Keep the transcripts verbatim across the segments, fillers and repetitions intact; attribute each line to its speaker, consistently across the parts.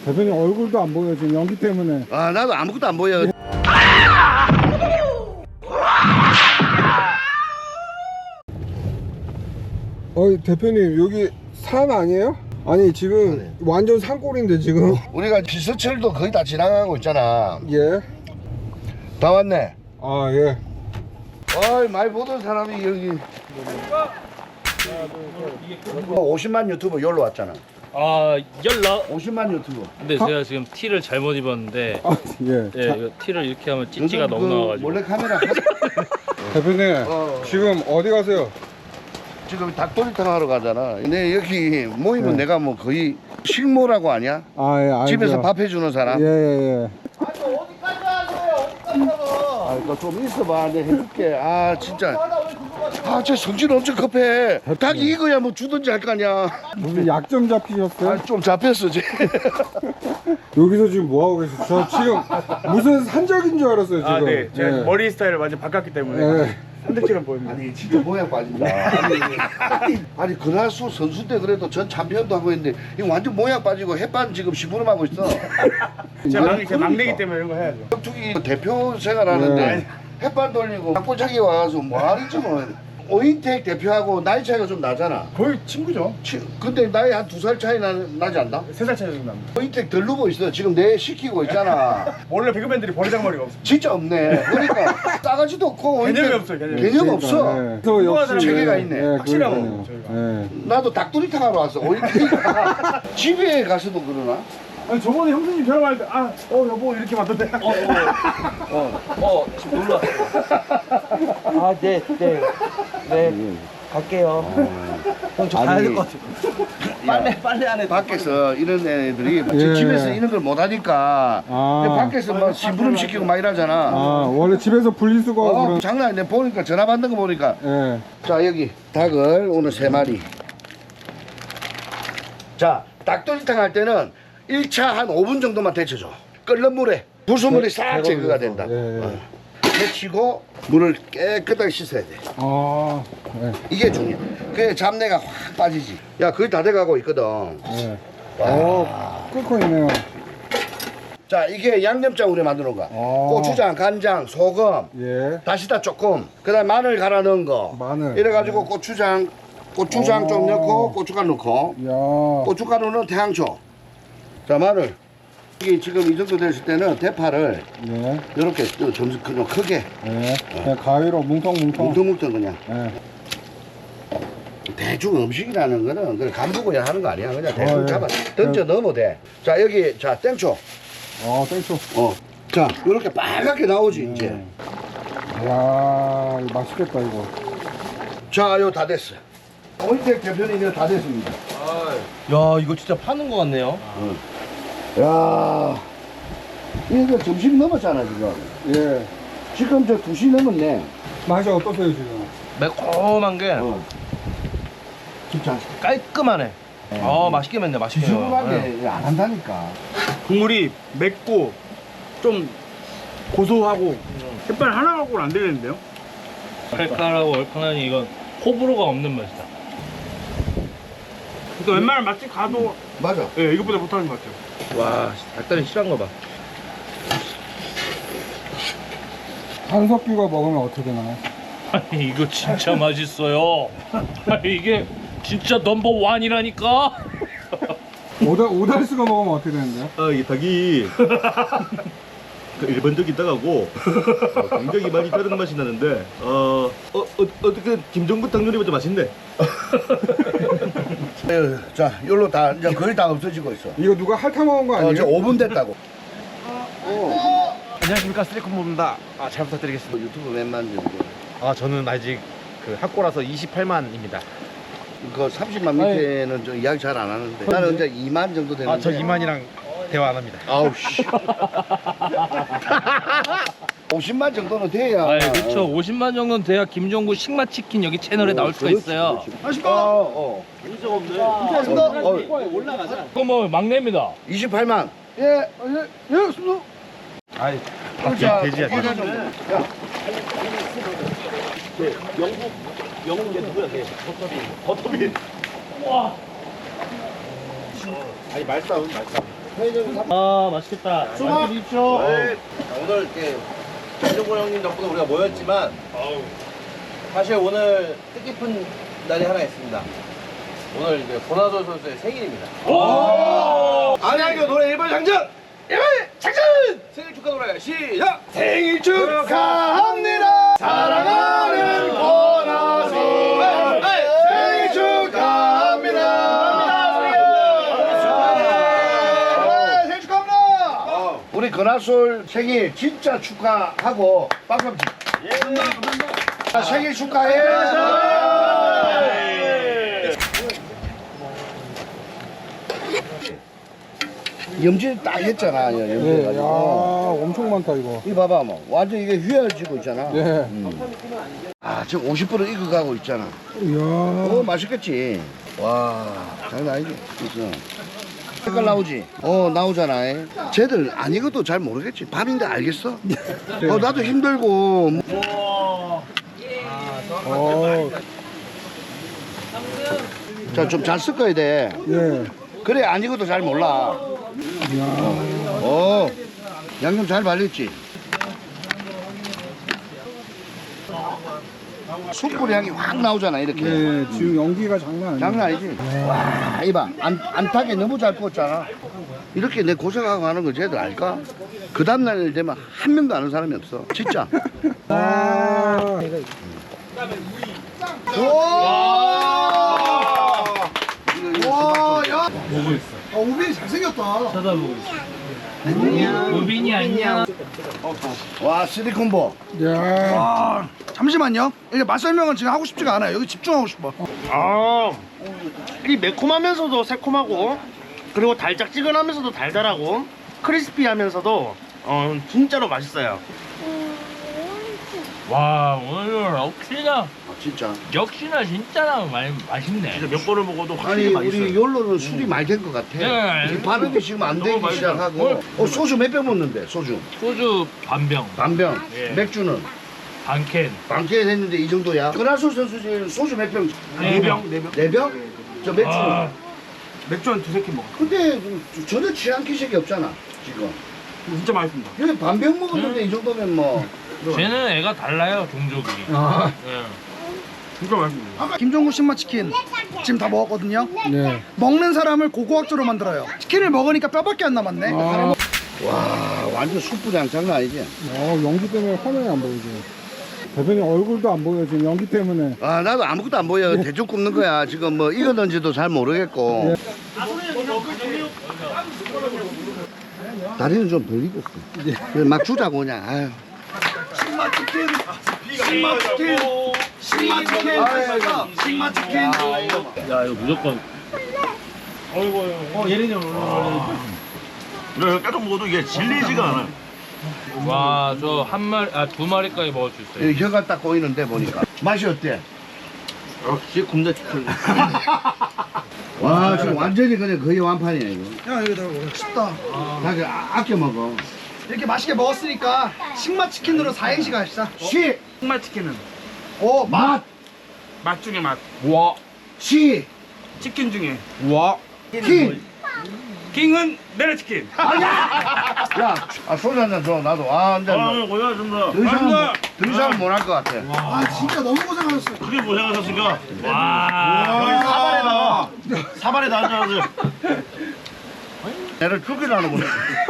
Speaker 1: 대표님 얼굴도 안 보여 지금 연기 때문에.
Speaker 2: 아 나도 아무것도 안 보여.
Speaker 1: 어 대표님 여기 산 아니에요? 아니 지금
Speaker 2: 네.
Speaker 1: 완전 산골인데 지금.
Speaker 2: 우리가 비서철도 거의 다 지나가고 있잖아.
Speaker 1: 예.
Speaker 2: 다 왔네.
Speaker 1: 아 예.
Speaker 2: 어이 많이 보던 사람이 여기 오십만 유튜버 여기로 왔잖아.
Speaker 3: 아 열나?
Speaker 2: 오십만 유튜버.
Speaker 3: 근데 제가 지금 티를 잘못 입었는데
Speaker 1: 아 예.
Speaker 3: 예, 이거 티를 이렇게 하면 찌찌가
Speaker 2: 요즘
Speaker 3: 너무
Speaker 2: 그
Speaker 3: 나와가지고
Speaker 2: 몰래 카메라 하...
Speaker 1: 대표님
Speaker 2: 어.
Speaker 1: 지금 어디 가세요?
Speaker 2: 지금 닭도리탕 하러 가잖아. 근데 여기 모이면
Speaker 1: 네.
Speaker 2: 내가 뭐 거의 식모라고 아냐?
Speaker 1: 아 예 알죠.
Speaker 2: 집에서 밥 해주는 사람.
Speaker 1: 예예 예.
Speaker 2: 아, 이거 좀 있어봐. 내가 해줄게. 아, 진짜. 아, 쟤 성질 엄청 급해. 닭이 이거야 뭐 주든지 할 거 아니야.
Speaker 1: 무슨 약점 잡히셨어요?
Speaker 2: 아, 좀 잡혔어, 쟤.
Speaker 1: 여기서 지금 뭐 하고 계세요? 저 지금 무슨 산적인 줄 알았어요 지금.
Speaker 4: 아, 네. 제가
Speaker 1: 예.
Speaker 4: 머리 스타일을 완전 바꿨기 때문에
Speaker 1: 예.
Speaker 4: 산들처럼 보입니다.
Speaker 2: 아니, 진짜 모양 빠진다. 아니, 아니, 아니 그날수 선수 때 그래도 전 챔피언도 하고 있는데 이거 완전 모양 빠지고 햇반 지금 시부름 하고 있어.
Speaker 4: 제가 막내, 제가 막내기 때문에 이런 거 해야죠.
Speaker 2: 격투기 대표 생활하는데
Speaker 1: 네.
Speaker 2: 햇반 돌리고 닭골차기 와서 뭐하는지 뭐. 오인택 대표하고 나이 차이가 좀 나잖아.
Speaker 4: 거의 친구죠.
Speaker 2: 치, 근데 나이 한 두 살 차이 나, 나지 않나?
Speaker 4: 세 살 차이 정도 납니다.
Speaker 2: 오인택 덜 누고 있어. 지금 내 시키고 있잖아.
Speaker 4: 원래 배그맨들이 버리장머리가 없어.
Speaker 2: 진짜 없네. 그러니까 싸가지도 없고 오인택
Speaker 4: 개념이 없어요, 개념이.
Speaker 2: 개념 없어.
Speaker 1: 네. 그래서 역시
Speaker 2: 체계가 있네.
Speaker 1: 예,
Speaker 4: 확실하고,
Speaker 1: 그러니까요.
Speaker 4: 저희가.
Speaker 1: 예.
Speaker 2: 나도 닭도리탕 하러 왔어. 오인택 집에 가서도 그러나?
Speaker 4: 아니 저번에 형수님 전화할 때 아, 어 여보 이렇게 맞던데.
Speaker 5: 어, 지금 놀러 왔어요. 아, 네, 네. 네, 갈게요. 형, 저 가야 될 것 같아요. 빨래, 빨래 안 해.
Speaker 2: 밖에서 이런 애들이
Speaker 1: 예.
Speaker 2: 집에서 이런 걸 못 하니까
Speaker 1: 아.
Speaker 2: 밖에서 막 심부름 시키고 막 이러잖아.
Speaker 1: 아 원래 집에서 분리수거
Speaker 2: 어,
Speaker 1: 그런.
Speaker 2: 장난 아니네. 보니까 전화 받는 거 보니까.
Speaker 1: 예.
Speaker 2: 자 여기 닭을 오늘 세 마리. 자 닭도리탕 할 때는 일 차 한 오 분 정도만 데쳐줘. 끓는 물에 부수물이 싹 제거가 된다.
Speaker 1: 예, 예.
Speaker 2: 어. 데치고 물을 깨끗하게 씻어야 돼.
Speaker 1: 아. 예.
Speaker 2: 이게 중요해. 그래 잡내가 확 빠지지. 야 거의 다 돼가고 있거든.
Speaker 1: 예. 오 끓고 있네요.
Speaker 2: 자 이게 양념장 우리 만드는 거.
Speaker 1: 아.
Speaker 2: 고추장, 간장, 소금,
Speaker 1: 예.
Speaker 2: 다시다 조금. 그다음 마늘 갈아 넣은 거.
Speaker 1: 마늘.
Speaker 2: 이래가지고 고추장, 고추장 좀
Speaker 1: 오.
Speaker 2: 넣고 고춧가루 넣고.
Speaker 1: 야.
Speaker 2: 고춧가루는 태양초. 자 마늘. 이게 지금 이 정도 됐을 때는 대파를
Speaker 1: 예.
Speaker 2: 이렇게 좀 그냥 크게
Speaker 1: 예. 그냥 가위로 뭉텅뭉텅.
Speaker 2: 뭉텅뭉텅 그냥.
Speaker 1: 예.
Speaker 2: 대충 음식이라는 거는 그냥 간부고야 하는 거 아니야. 그냥 대충
Speaker 1: 어, 예.
Speaker 2: 잡아 던져 넣으면 돼. 자 여기 자 땡초.
Speaker 1: 어 땡초.
Speaker 2: 어. 자 이렇게 빨갛게 나오지 이제.
Speaker 1: 야 이거 맛있겠다 이거.
Speaker 2: 자 이거 다 됐어. 오인택 대표님 이거 다 됐습니다.
Speaker 5: 야, 이거 진짜 파는 것 같네요.
Speaker 2: 야 이거 점심 넘었잖아 지금.
Speaker 1: 예.
Speaker 2: 지금 저 두 시 넘었네.
Speaker 1: 맛이 어떠세요 지금?
Speaker 5: 매콤한 게
Speaker 2: 어. 진짜
Speaker 5: 깔끔하네. 아, 맛있게 맵네, 맛있게.
Speaker 2: 지저분하게 안 한다니까.
Speaker 4: 국물이 맵고 좀 고소하고 햇반 하나 갖고는 안 되겠는데요?
Speaker 3: 칼칼하고 얼큰하니 이건 호불호가 없는 맛이다.
Speaker 4: 그러니까 웬만한 맛집 가도
Speaker 2: 맞아.
Speaker 4: 예, 이것보다 못하는 것 같아요.
Speaker 5: 와, 닭다리 실한 거 봐.
Speaker 1: 한석규가 먹으면 어떻게 되나요?
Speaker 3: 아니 이거 진짜 맛있어요. 아니 이게 진짜 넘버 원이라니까.
Speaker 1: 오달 오달수가 먹으면 어떻게 되는데요?
Speaker 6: 아, 이 닭이 그 일반적인 닭하고 어, 굉장히 많이 다른 맛이 나는데 어, 어, 어 어떻게 김종국 닭 요리보다 맛있네.
Speaker 2: 에휴, 자, 요로 다 이제 거의 다 없어지고 있어.
Speaker 1: 이거 누가 핥아 먹은 거
Speaker 2: 어,
Speaker 1: 아니에요?
Speaker 2: 이제 오 분 됐다고.
Speaker 7: 안녕하십니까, 쓰리콤보입니다. 아, 잘 부탁드리겠습니다.
Speaker 2: 유튜브 몇만 정도.
Speaker 7: 아, 저는 아직 그 학고라서 이십팔만입니다.
Speaker 2: 그 삼십만 밑에는 좀 이야기 잘 안 하는데. 나는 이제 이만 정도 되는데.
Speaker 7: 아, 저 이만이랑 대화 안 합니다.
Speaker 2: 아우 씨. 오십만 정도는 돼야.
Speaker 3: 아니 그렇죠. 오십만 정도는 돼야 김종구 식맛치킨 여기 채널에 나올 수가 있어요.
Speaker 2: 맛있다. 어, 어. 인정 없네. 어,
Speaker 5: 올라가자.
Speaker 3: 그거 뭐 막내입니다.
Speaker 2: 이십팔만. 예, 예, 예, 수고.
Speaker 7: 아이,
Speaker 2: 자,
Speaker 7: 돼지야, 돼지.
Speaker 2: 고기가 좀- 야,
Speaker 5: 영국, 영국 얘 누구야, 걔? 버터빈. 버터빈.
Speaker 7: 아니, 말싸움, 말싸움.
Speaker 3: 아 맛있겠다.
Speaker 6: 맛있게 드십시오.
Speaker 7: 네. 오늘 이렇게 김종곤 형님 덕분에 우리가 모였지만 사실 오늘 뜻깊은 날이 하나 있습니다. 오늘 이제 권하솔 선수의 생일입니다. 안양교 노래 일반 장전! 일반 장전! 생일 축하 노래 시작! 생일 축하합니다! 사랑하는 권하솔 생일 축하합니다!
Speaker 2: 생일 축하합니다. 우리 근하솔 생일 진짜 축하하고 박수 한번 치. 생일 축하해. 염질 딱 했잖아.
Speaker 1: 예, 야,
Speaker 2: 염질해가지고.
Speaker 1: 엄청 많다 이거.
Speaker 2: 이 봐봐 뭐 완전 이게 휘어지고 있잖아.
Speaker 1: 예.
Speaker 2: 아 지금 오십 분은 익어가고 있잖아.
Speaker 1: 이야.
Speaker 2: 어 맛있겠지. 와 장난 아니지. 그래서 색깔 나오지. 어 나오잖아. 에. 쟤들 안 익어도 잘 모르겠지. 밤인데 알겠어. 어 나도 힘들고.
Speaker 1: 어,
Speaker 2: 자 좀 잘 섞어야 돼.
Speaker 1: 예.
Speaker 2: 그래 안 익어도 잘 몰라. 어 양념 잘 발렸지. 숯불 향이 확 나오잖아 이렇게.
Speaker 1: 예, 지금 연기가 장난 아니야.
Speaker 2: 장난 아니지. 와 이봐 안, 안 타게 너무 잘 구웠잖아. 이렇게 내 고생하고 하는 걸 쟤들 알까? 그 다음날 되면 한 명도 아는 사람이 없어 진짜.
Speaker 1: 아,
Speaker 2: 와, 야.
Speaker 3: 쳐다보고 있어. 우빈이 안녕.
Speaker 2: 와 시리콤보.
Speaker 1: 야.
Speaker 8: 잠시만요. 이게 맛 설명은 지금 하고 싶지가 않아요. 여기 집중하고 싶어.
Speaker 6: 아, 이 매콤하면서도 새콤하고 그리고 달짝지근하면서도 달달하고 크리스피하면서도 어 진짜로 맛있어요.
Speaker 3: 와 오늘 역시나
Speaker 2: 아, 진짜.
Speaker 3: 역시나 진짜 많이 맛있네.
Speaker 6: 진짜 몇 번을 먹어도
Speaker 2: 아니
Speaker 6: 확실히 맛있어요.
Speaker 2: 우리 욜로는 술이 많이 된 것 같아.
Speaker 3: 네.
Speaker 2: 이 발음이 지금 안 되기
Speaker 3: 너무 맛있어요.
Speaker 2: 시작하고. 어 소주 몇 병 먹는데 소주?
Speaker 3: 소주 반병,
Speaker 2: 반병.
Speaker 3: 예.
Speaker 2: 맥주는
Speaker 3: 반캔.
Speaker 2: 반캔 했는데 이 정도야. 그라솔 선수 지금 소주 몇 병?
Speaker 3: 네 병. 네 병.
Speaker 2: 네 병? 저 맥주는?
Speaker 3: 아,
Speaker 8: 맥주 한 두세 캔 먹어.
Speaker 2: 근데 전혀 취한 기색이 없잖아 지금.
Speaker 8: 진짜 맛있습니다.
Speaker 2: 여기 반병 먹었는데 이 정도면 뭐.
Speaker 3: 쟤는 애가 달라요 종족이.
Speaker 1: 아,
Speaker 3: 예.
Speaker 8: 진짜 맛있습니다. 김종국 신맛 치킨 지금 다 먹었거든요.
Speaker 1: 네.
Speaker 8: 먹는 사람을 고고학조로 만들어요. 치킨을 먹으니까 뼈밖에 안 남았네.
Speaker 1: 아,
Speaker 2: 와 완전 숯불향 장난 아니지.
Speaker 1: 어, 연기 때문에 화면이 안 보이지. 대표님 얼굴도 안 보여 지금 연기 때문에.
Speaker 2: 아 나도 아무것도 안 보여. 대충 굽는 거야. 지금 뭐 익었는지도 잘 모르겠고. 다리는 좀 덜 익었어. 그래, 막 주자고 그냥. 아유.
Speaker 8: 신맛 치킨. 신맛 치킨. 신맛 치킨. 신맛 치킨.
Speaker 3: 야 이거 무조건.
Speaker 8: 어 예린이 형.
Speaker 6: 이거 계속 먹어도 이게 질리지가 않아요.
Speaker 3: 와 저 한 마리 아 두 마리까지 먹을 수 있어요.
Speaker 2: 여기 혀가 딱 보이는데 보니까. 맛이 어때?
Speaker 6: 역시 굽네 치킨.
Speaker 2: 와 지금 완전히 그냥 거의 완판이야 이거.
Speaker 8: 야 이거 다 먹어. 쉽다.
Speaker 2: 나 그 아, 아껴 먹어.
Speaker 8: 이렇게 맛있게 먹었으니까 신맛 치킨으로 사행시 가시다.
Speaker 2: 시,
Speaker 8: 신맛 치킨은
Speaker 2: 오, 맛,
Speaker 8: 맛 중에 맛.
Speaker 1: 와,
Speaker 2: 시,
Speaker 8: 치킨 중에
Speaker 1: 와.
Speaker 2: 킹.
Speaker 8: 킹은 메레치킨.
Speaker 2: 야, 아, 소주 한잔 줘. 나도. 아, 한 잔.
Speaker 6: 아, 고생하셨습니다.
Speaker 2: 더 이상은, 더 이상은 못 할 것 같아.
Speaker 8: 아 진짜 너무 고생하셨어요.
Speaker 6: 크게 고생하셨으니까
Speaker 3: 와.
Speaker 6: 여기 사발에다가 사발에다 앉아가지고
Speaker 2: 애를 죽이라는구나.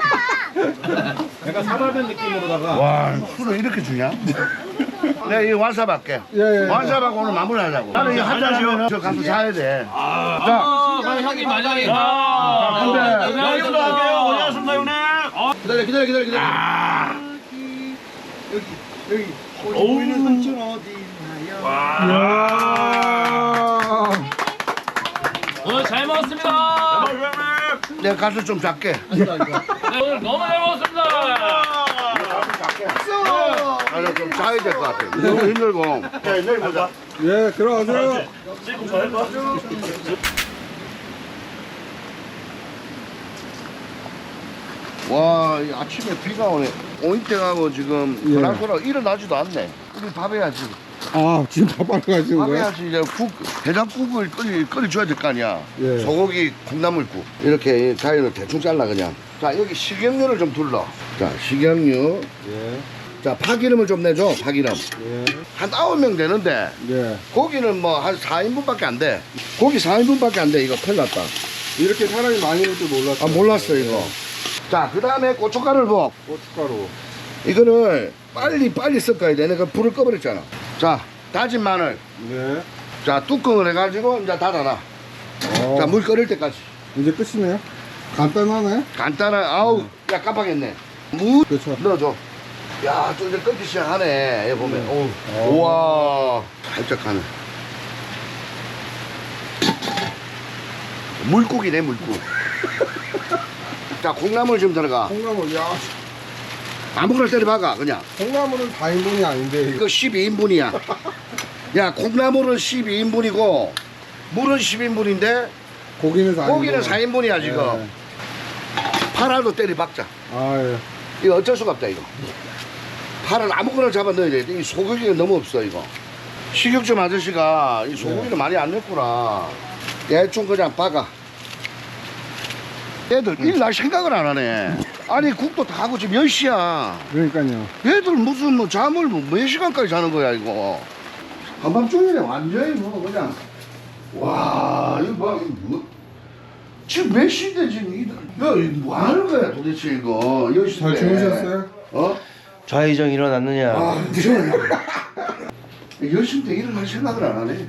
Speaker 7: 약간 사발된 느낌으로다가
Speaker 2: 와, 술을 이렇게 주냐? 내가 이 완삽 할게.
Speaker 1: 예, 예.
Speaker 2: 완삽하고 오늘 마무리 하자고. 나는 이거 한잔 하면 저 가서 자야 돼.
Speaker 3: 아, 그럼 형님 만약에
Speaker 6: 자,
Speaker 2: 근데-
Speaker 6: 형님도 할게요. 고생하셨습니다, 형님.
Speaker 7: 기다려 기다려 기다려 기다려.
Speaker 8: 보이는 삼촌 어디 있나요?
Speaker 1: 야.
Speaker 3: 오늘 잘 먹었습니다.
Speaker 2: 내가 가서 좀 작게.
Speaker 3: 네, 오늘 너무 잘 먹었습니다.
Speaker 2: 아, 나좀 자야 될 것 같아. 너무 힘들고. 자, 내일 보자.
Speaker 1: 예, 들어가세요.
Speaker 2: 와, 이 아침에 비가 오네. 오인땡하고 지금
Speaker 1: 예.
Speaker 2: 그랑그랑 일어나지도 않네. 우리 밥 해야지.
Speaker 1: 아 지금 밥하러 가시는 거예요?
Speaker 2: 밥해야지. 이제 국, 해장국을 끓이, 끓여줘야 될 거 아니야.
Speaker 1: 예.
Speaker 2: 소고기 콩나물국. 이렇게 가위로 대충 잘라 그냥. 자, 여기 식용유를 좀 둘러. 자, 식용유.
Speaker 1: 예.
Speaker 2: 자, 파기름을 좀 내줘, 파기름.
Speaker 1: 예.
Speaker 2: 한 아홉 명 되는데,
Speaker 1: 예.
Speaker 2: 고기는 뭐 한 사 인분밖에 안 돼. 고기 사 인분밖에 안 돼. 이거 큰일 났다.
Speaker 1: 이렇게 사람이 많이 올 줄 몰랐어.
Speaker 2: 아, 몰랐어, 이거. 자, 그 다음에 고춧가루를 부어.
Speaker 1: 고춧가루.
Speaker 2: 이거를 빨리 빨리 섞어야 돼. 내가 불을 꺼버렸잖아. 자, 다진 마늘.
Speaker 1: 네.
Speaker 2: 자, 뚜껑을 해가지고 이제 닫아놔.
Speaker 1: 어,
Speaker 2: 자, 물 끓일 때까지.
Speaker 1: 이제 끝이네요. 간단하네.
Speaker 2: 간단한, 아우, 야, 깜빡했네. 무
Speaker 1: 그렇죠.
Speaker 2: 넣어줘. 야, 좀 이제 끓기 시작하네. 여기 보면.
Speaker 1: 어.
Speaker 2: 오. 우와. 살짝 하네. 물국이네, 물국. 자, 콩나물 좀 들어가.
Speaker 1: 콩나물, 야,
Speaker 2: 아무거나 때려 박아, 그냥.
Speaker 1: 콩나물은 사 인분이 아닌데 이거.
Speaker 2: 이거 십이 인분이야. 야, 콩나물은 십이 인분이고, 물은 십 인분인데,
Speaker 1: 고기는 사 인분.
Speaker 2: 고기는 사 인분이야, 지금.
Speaker 1: 예.
Speaker 2: 파라도 때려 박자.
Speaker 1: 아 예.
Speaker 2: 이거 어쩔 수가 없다, 이거. 파를 아무거나 잡아 넣어야 돼. 이 소고기가 너무 없어, 이거. 식육점 아저씨가 이 소고기를 많이 안 넣구나. 대충 그냥 박아. 애들 일날 생각을 안 하네. 아니, 국도 다 하고 지금 몇 시야.
Speaker 1: 그러니까요.
Speaker 2: 애들 무슨 뭐 잠을 뭐 몇 시간까지 자는 거야, 이거. 한밤중이네, 완전히 뭐, 그냥. 와, 이거 봐, 이거 뭐. 지금 몇 시인데, 지금. 이- 야, 이거 뭐 하는 거야, 도대체, 이거. 열 시인데.
Speaker 1: 잘 주무셨어요?
Speaker 2: 어?
Speaker 5: 좌회전 일어났느냐?
Speaker 2: 아, 일어나. 열 시인데 일어날 생각을 안 하네.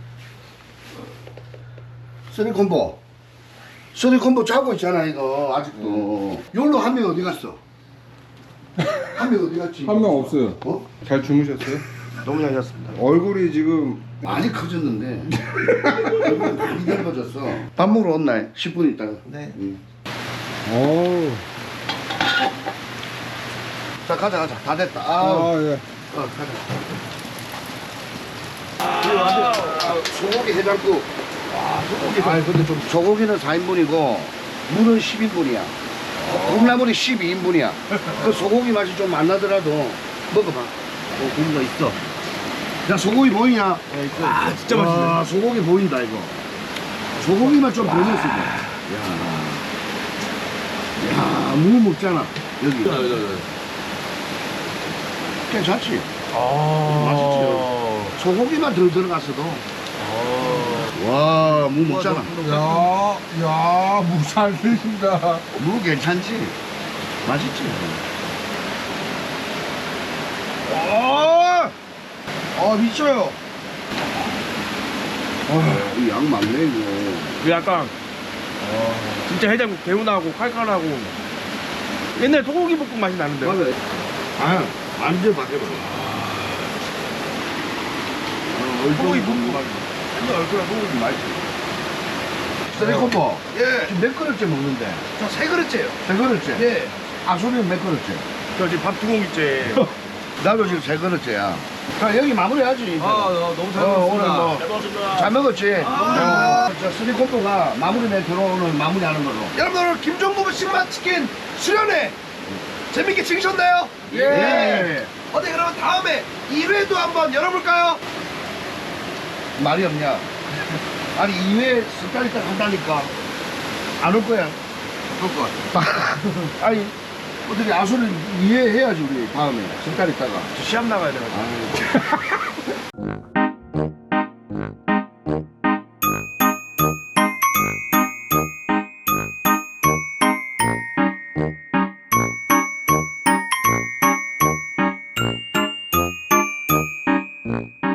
Speaker 2: 쓰리콤보. 쓰리콤보 자고 있잖아, 이거, 아직도. 요로 한 명 어디 갔어? 한 명 어디 갔지?
Speaker 1: 한 명 없어요.
Speaker 2: 어?
Speaker 1: 잘 주무셨어요?
Speaker 5: 너무 잘 잤습니다.
Speaker 1: 얼굴이 지금
Speaker 2: 많이 커졌는데. 얼굴이 많이 넓어졌어. 밥 먹으러 온나? 십 분 있다가.
Speaker 5: 네.
Speaker 2: 응.
Speaker 1: 어우.
Speaker 2: 자, 가자, 가자. 다 됐다. 아,
Speaker 1: 아 예.
Speaker 2: 어, 가자. 아, 소고기 해장국. 와, 소고기. 아, 근데 좀. 소고기는 사 인분이고, 물은 십 인분이야. 콩나물이 십이 인분이야. 그 소고기 맛이 좀 안 나더라도 먹어봐.
Speaker 5: 어, 고기가 있어.
Speaker 2: 야, 소고기 보이냐?
Speaker 5: 네, 있어.
Speaker 6: 아 진짜 맛있네.
Speaker 2: 와, 소고기 보인다, 이거. 소고기만 좀 보냈어, 이거. 야, 야, 무 먹잖아, 여기. 괜찮지? 맛있지? 소고기만 덜 들어갔어도. 와, 무 먹잖아.
Speaker 1: 야, 야, 무잘 드신다.
Speaker 2: 무 괜찮지? 맛있지?
Speaker 8: 아, 아 미쳐요.
Speaker 2: 아, 이 양 많네, 이거.
Speaker 4: 그 약간 진짜 해장국 개운하고 칼칼하고 옛날 소고기 볶음 맛이 나는데.
Speaker 2: 맞아. 아, 완전 바뀌어봐.
Speaker 4: 소고기 볶음 맛. 옛날 얼큰한 소고기 맛있어.
Speaker 2: 쓰리콤보.
Speaker 8: 예,
Speaker 2: 지금 몇 그릇째 먹는데?
Speaker 8: 저 세 그릇째요.
Speaker 2: 세 그릇째?
Speaker 8: 예.
Speaker 2: 아소리는 몇 그릇째?
Speaker 4: 저 지금 밥 두 공기째.
Speaker 2: 나도 지금 세 그릇째야. 자, 여기 마무리하지. 이제.
Speaker 8: 너무 잘
Speaker 2: 어, 오늘
Speaker 8: 먹었습니다.
Speaker 2: 뭐. 잘 먹었지? 어, 저 쓰리콤보가 마무리 멘트로 오늘 마무리하는 걸로.
Speaker 8: 여러분 오늘 김종국 신맛 치킨 수련회 재밌게 즐기셨나요?
Speaker 2: 예.
Speaker 8: 어때 그러면 다음에 이 회도 한번 열어볼까요?
Speaker 2: 말이 없냐? 아니, 이 회 습관이 딱 한다니까. 안 올 거야.
Speaker 8: 올 것 같아.
Speaker 2: 아니, 어떻게 아소를 이해해야지, 우리 다음에. 습관 있다가.
Speaker 4: 시합 나가야 돼가지고.
Speaker 1: 음.